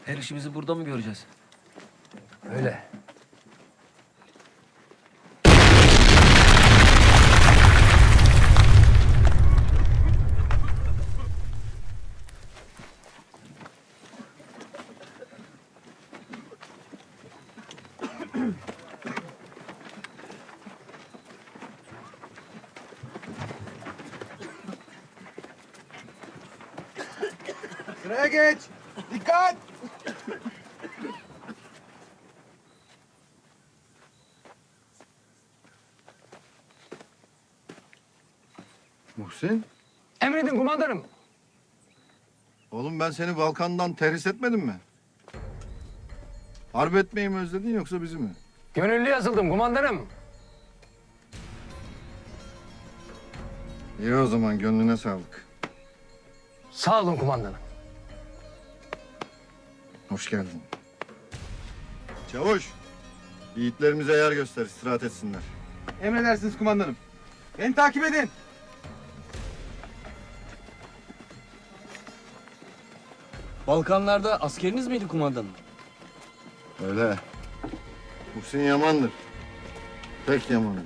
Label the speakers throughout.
Speaker 1: Her işimizi burada mı göreceğiz?
Speaker 2: Öyle.
Speaker 3: Sıraya geç. Dikkat.
Speaker 4: Muhsin,
Speaker 2: Emredin kumandanım.
Speaker 4: oğlum ben seni Balkan'dan terhis etmedim mi? Harp etmeyi mi özledin yoksa bizi mi?
Speaker 2: Gönüllü yazıldım kumandanım.
Speaker 4: İyi o zaman gönlüne sağlık.
Speaker 2: Sağ olun kumandanım.
Speaker 4: Hoş geldin. Çavuş, yiğitlerimize yer göster, istirahat etsinler.
Speaker 3: Emredersiniz kumandanım. Beni takip edin.
Speaker 1: Balkanlarda askeriniz miydi kumandanım?
Speaker 4: Öyle. Muhsin yamandır. Pek yamandır.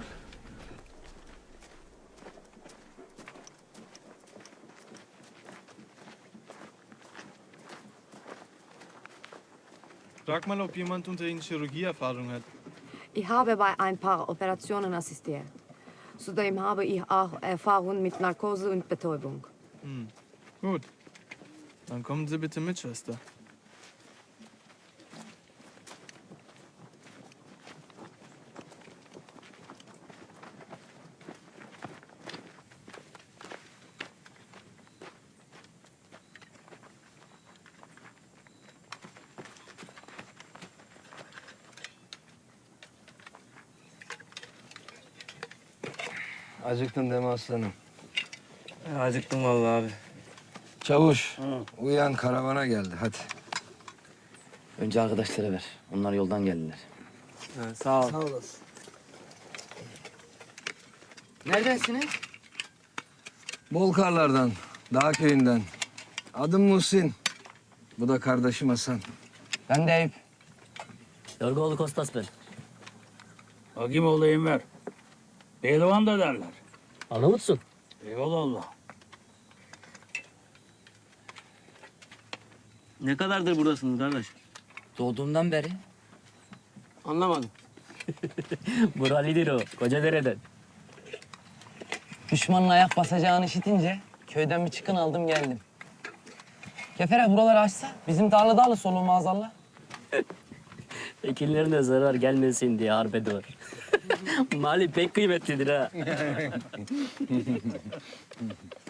Speaker 5: Frag mal, ob jemand unter Ihnen Chirurgieerfahrung hat.
Speaker 6: Ich habe bei ein paar Operationen assistiert. Zudem habe ich auch Erfahrung mit Narkose und Betäubung.
Speaker 5: Gut. Dann kommen Sie bitte mit, Schwester.
Speaker 2: Acıktın değil mi aslanım?
Speaker 1: Acıktım vallahi abi.
Speaker 2: Çavuş, uyan karavana geldi hadi.
Speaker 7: Önce arkadaşlara ver. Onlar yoldan geldiler.
Speaker 1: Sağ ol.
Speaker 7: Neredensiniz?
Speaker 2: Bolkarlardan, dağ köyünden. Adım Muhsin. Bu da kardeşim Hasan.
Speaker 7: Ben de Eyüp.
Speaker 8: Yorgoğlu Kostas ben.
Speaker 9: Hakim olayım ver. Pehlivan da derler.
Speaker 8: Arnavutsun.
Speaker 9: Eyvallah.
Speaker 8: Ne kadardır buradasınız kardeş?
Speaker 7: Doğduğumdan beri.
Speaker 8: Anlamadım. Buralidir o. Kocadere'den.
Speaker 7: Düşmanın ayak basacağını işitince köyden bir çıkın aldım geldim. Kefere buraları açsa bizim tarlada alır soluğu maazallah.
Speaker 8: Ekinlerine zarar gelmesin diye harp ediyor. Mali pek kıymetlidir ha.